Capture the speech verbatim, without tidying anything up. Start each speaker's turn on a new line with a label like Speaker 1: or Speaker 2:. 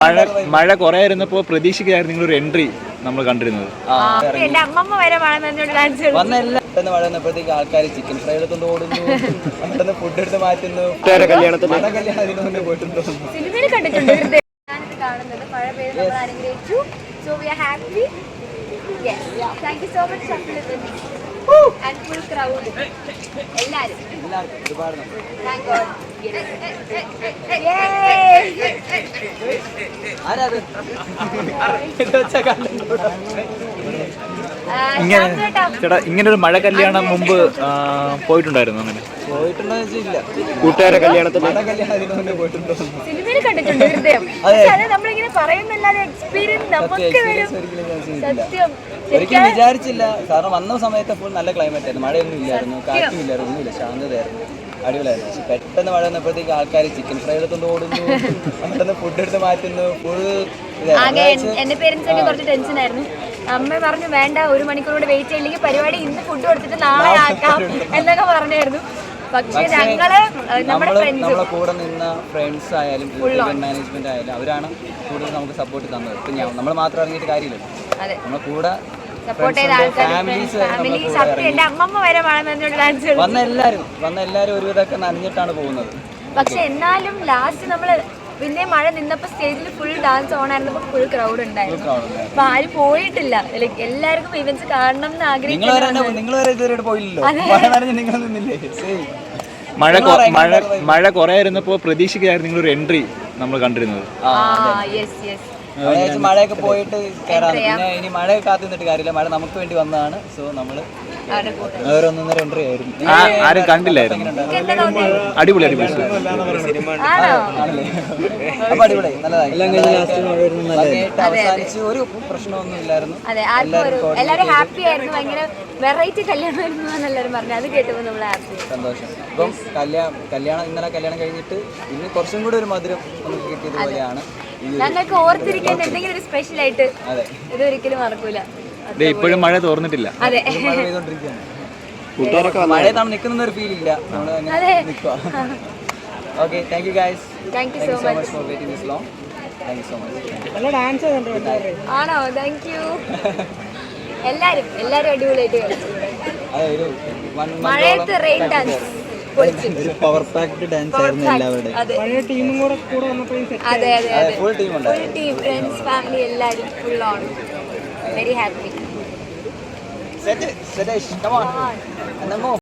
Speaker 1: മഴ മഴ കുറെ ഇരുന്നപ്പോ പ്രതീക്ഷിക്കായിരുന്നു നിങ്ങളൊരു എൻട്രി നമ്മൾ കണ്ടിരുന്നത്.
Speaker 2: എന്റെ അമ്മമ്മ വരെ മഴ
Speaker 3: പെട്ടെന്ന് മഴ വന്നപ്പോഴത്തേക്ക് ആൾക്കാർ ചിക്കൻ ഫ്രൈ എടുത്തോണ്ട് ഓടുന്നു, പെട്ടെന്ന് ഫുഡ് എടുത്ത് മാറ്റുന്നു. കല്യാണത്തിന് പോയിട്ടുണ്ടോ?
Speaker 2: സിനിമയിൽ കണ്ടിട്ടുണ്ട്. ഞാനിത് കാണുന്നത് മഴ പെയ്ത് നമ്മൾ അനുഗ്രഹിച്ചു. So we are happy. Yes. Thank you so much, and full crowd. എല്ലാരും
Speaker 3: എല്ലാവർക്കും ഒരുപാട്
Speaker 2: Thank God. Yay!
Speaker 3: ആരാത്?
Speaker 1: ഇങ്ങനെ ചേട്ടാ ഇങ്ങനെ ഒരു മഴ കല്യാണം മുമ്പ് പോയിട്ടുണ്ടായിരുന്നു? അങ്ങനെ
Speaker 3: പോയിട്ടുണ്ടോ ഇല്ല.
Speaker 1: കൂട്ടുകാരെ കല്യാണത്തിന്
Speaker 3: മഴ കല്യാണത്തിന് മുന്നേ പോയിട്ടുണ്ടോ?
Speaker 2: സിനിമയിൽ കണ്ടിട്ടുണ്ട് ഹൃദയം. പക്ഷെ അത് നമ്മളിങ്ങനെ പറയുന്നല്ലാതെ എക്സ്പീരിയൻസ് നമുക്ക് വരും. സത്യം
Speaker 3: ഒരിക്കലും വിചാരിച്ചില്ല. കാരണം വന്ന സമയത്ത് ഫുൾ നല്ല ക്ലൈമറ്റ് ആയിരുന്നു, മഴയൊന്നും ഇല്ലായിരുന്നു, കാറ്റും ഇല്ലായിരുന്നു, ഒന്നുമില്ല, ശാന്തതയായിരുന്നു, അടിപൊളിയായിരുന്നു. പക്ഷെ പെട്ടെന്ന് മഴ വന്നപ്പോഴത്തേക്ക് ആൾക്കാർ ചിക്കൻ ഫ്രൈ എടുത്തോണ്ട് ഓടുന്നു, പെട്ടെന്ന് ഫുഡ് എടുത്ത് മാറ്റുന്നു. ഫുൾ
Speaker 2: ആകെ എന്റെ പേരൻസ് ഒക്കെ കുറച്ച് ടെൻഷൻ ആയിരുന്നു. അമ്മ പറഞ്ഞു വേണ്ട, ഒരു മണിക്കൂർ കൂടെ വെയിറ്റ് ചെയ്യില്ലെങ്കിൽ പരിപാടി ഇന്ന് ഫുഡ് കൊടുത്തിട്ട് നാളെ ആക്കാം എന്നൊക്കെ പറഞ്ഞായിരുന്നു. പക്ഷെ ഞങ്ങള് നമ്മുടെ
Speaker 3: നമ്മളെ കൂടെ നിന്ന ഫ്രണ്ട്സ് ആയാലും മാനേജ്മെന്റ് ആയാലും അവരാണ് കൂടുതൽ നമുക്ക് സപ്പോർട്ട് തന്നത്. ഇപ്പൊ നമ്മൾ മാത്രം ഇറങ്ങിയിട്ട് കാര്യമില്ലല്ലോ, നമ്മളെ കൂടെ
Speaker 2: സപ്പോർട്ട് ചെയ്ത ആൾക്കാർ, ഫാമിലി, സത്യം എന്റെ അമ്മമ്മ വരെ മഴ നനഞ്ഞോണ്ട് ഡാൻസ്
Speaker 3: വന്ന എല്ലാവരും വന്ന എല്ലാവരും ഒരുവിധമൊക്കെ നനഞ്ഞിട്ടാണ് പോകുന്നത്.
Speaker 2: പക്ഷെ എന്നാലും ലാസ്റ്റ് നമ്മള് പിന്നെ മഴ നിന്നപ്പോ സ്റ്റേജിൽ ഫുൾ ഡാൻസ് ഓൺ ആയിരുന്നപ്പോ ഫുൾ ക്രൗഡ് ഉണ്ടായിരുന്നു. അപ്പൊ ആരും പോയിട്ടില്ല. ലൈക്ക് എല്ലാവർക്കും ഇവന്റ്സ് കാണണം എന്ന് ആഗ്രഹിക്കുന്നു.
Speaker 3: നിങ്ങൾ വരെ ഇതുവരെ പോയില്ലല്ലോ, നിങ്ങൾ നിന്നില്ലേ?
Speaker 1: മഴ മഴ മഴ കുറെ ഇരുന്നപ്പോ പ്രതീക്ഷിക്കായിരുന്നു നിങ്ങളൊരു എൻട്രി നമ്മൾ കണ്ടിരുന്നത്.
Speaker 3: മഴയൊക്കെ പോയിട്ട് കയറാം. പിന്നെ ഇനി മഴയൊക്കെ കാത്തു നിന്നിട്ട് കാര്യമില്ല, മഴ നമുക്ക് വേണ്ടി വന്നതാണ്. സോ നമ്മള് ഒന്നൊന്നര എൻട്രി ആയിരുന്നു.
Speaker 1: ആരും കണ്ടില്ലായിരുന്നു. അടിപൊളി അടിപൊളി
Speaker 3: അപ്പൊ അടിപൊളി നല്ലതായി അവസാനിച്ച് ഒരു പ്രശ്നമൊന്നും ഇല്ലായിരുന്നു.
Speaker 2: എല്ലാവരും ഹാപ്പി ആയിരുന്നു. ഭയങ്കര വെറൈറ്റി കല്യാണമായിരുന്നു എന്നെല്ലാവരും പറഞ്ഞു. അത് കേട്ടപ്പോൾ നമ്മൾ ഹാപ്പി,
Speaker 3: സന്തോഷം. ഇപ്പം കല്യാണം കല്യാണം ഇന്നലെ കല്യാണം കഴിഞ്ഞിട്ട് ഇന്ന് കുറച്ചും കൂടി ഒരു മധുരം നമുക്ക് കിട്ടിയതുപോലെയാണ്.
Speaker 2: ഞങ്ങൾക്ക് ഓർത്തിരിക്കാൻ എന്തെങ്കിലും ഒരു സ്പെഷ്യൽ ആയിട്ട് ഇതൊരിക്കലും മറക്കൂല.
Speaker 1: ഇപ്പോഴും മഴ തോർന്നിട്ടില്ല.
Speaker 2: അതെ,
Speaker 3: മഴ പെയ്തോണ്ടിരിക്കുകയാണ്. മഴയത്താണ് നിൽക്കുന്ന ഒരു ഫീൽ ഇല്ല, നമ്മള് നിൽക്കുക. Okay, thank you guys.
Speaker 2: Thank you so much
Speaker 3: for waiting this long. Thank you so much.
Speaker 2: ആണോ? Thank you. എല്ലാരും എല്ലാരും അടിപൊളിയായിട്ട് കളിച്ചു. മഴയത്ത് rain dance
Speaker 3: power packed dance ആയിരുന്നു എല്ലാവരുടെയും.
Speaker 2: അതെ അതെ അതെ,
Speaker 3: ഫുൾ ടീം ഉണ്ട്.
Speaker 2: ഫുൾ ടീം, ഫ്രണ്ട്സ്, ഫാമിലി എല്ലാരും full on. Very happy.
Speaker 3: Set it, Sadesh, come on. And then move.